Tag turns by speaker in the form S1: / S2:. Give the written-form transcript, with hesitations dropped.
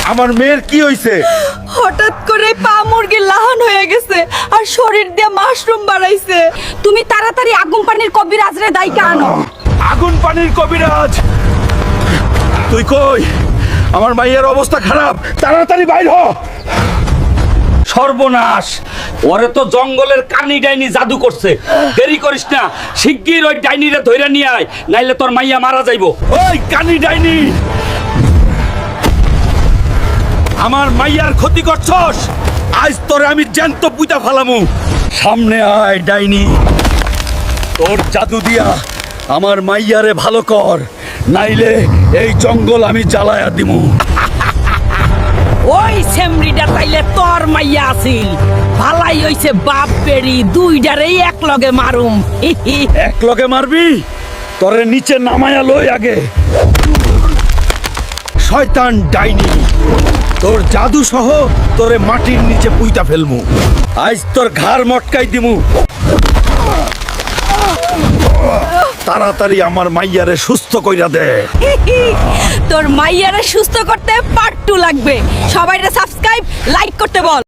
S1: আমার মেয়ের কি হইছে?
S2: হঠাৎ করে পা মুরগির লাহান হয়ে গেছে আর শরীর দিয়ে মাশরুম বাড়াইছে। তুমি তাড়াতাড়ি আগুন পানির কবিরাজরে দাইকা আনো।
S1: আগুন পানির কবিরাজ? তুই কই? আমার মাইয়ার অবস্থা খারাপ, তাড়াতাড়ি বাইর হ।
S3: সর্বনাশ, ওরে তো জঙ্গলের কানি ডাইনি জাদু করছে। দেরি করিস না, শিগগির ওই ডাইনিরে ধইরা নিয়ে আয়, নাইলে তোর মাইয়া মারা যাইবো।
S1: ওই কানি ডাইনি, আমার মাইয়ার ক্ষতি করছস, আজ তোরে আমি জ্যান্ত পুইতা ফালামু। সামনে আয় ডাইনি, তোর জাদু দিয়া আমার মাইয়ারে ভালো কর, নাইলে এই জঙ্গল আমি জ্বালায়া দিমু।
S2: ওই সেমরিটা তাইলে তোর মাইয়া আছিল। ভালাই হইছে বাপ বেরি দুইটারেই এক লগে মারুম।
S1: এক লগে মারবি? তোরে নিচে নামায়া লই আগে। শয়তান ডাইনি, তোর জাদু সহ তোরে মাটির নিচে পুইতা ফেলমু। আজ তোর ঘাড় মটকাই দিমু। তাড়াতাড়ি আমার মাইয়ারে সুস্থ কইরা দে।
S2: তোর মাইয়ারে সুস্থ করতে পার্ট 2 লাগবে। সবাইরে সাবস্ক্রাইব লাইক করতে বল।